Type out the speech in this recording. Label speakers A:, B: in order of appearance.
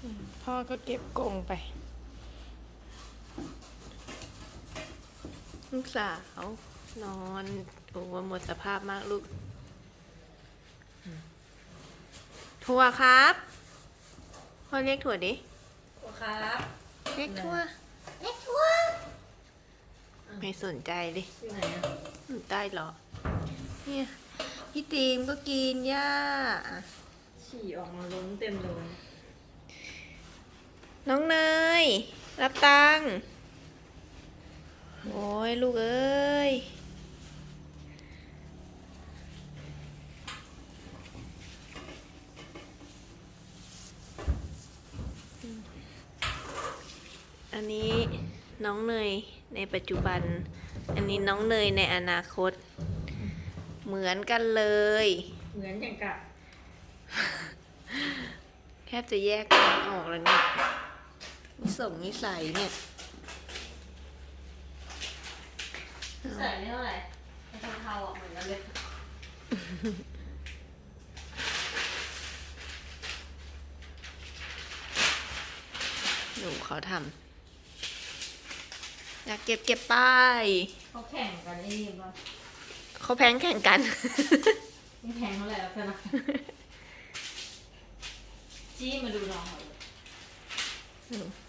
A: พ่อก็เก็บกรงไป ลูกสาวนอนโอ้หมดสภาพมากลูกถั่วครับพ่อเรียกถั่วดิ
B: ครับ
A: เรียกถั่ว
B: เล็กชัว
A: ไม่สนใจดิ
B: อยู่ไหนอ่ะ
A: อยู่ใต้หรอเนี่ยพี่ตีมก็กินหญ้า
B: ฉี่ออกมาล้นเต็มเลย
A: น้องเนยรับตังค์โอ้ยลูกเอ้ยอันนี้น้องเนยในปัจจุบัน อันนี้น้องเนยในอนาคต เหมือนกันเลย
B: เหมือนอย่างกับ
A: แทบจะแยกกันออกแล้วเนี่ยนิสัยเนี่ย
B: ใส่ไม่เท่าไหร่ไอ้เทาๆอ่ะเหมือนกันเลย
A: หนูเขาทำอยากเก็บไป
B: เขาแข่งกันไอ้นี่ป่ะ
A: เขาแพ้งแข่งกัน
B: ไม่แข่งเท่าไหร่แล้วใช่ไหมจี้มาดูน้องหน่อย
A: อืม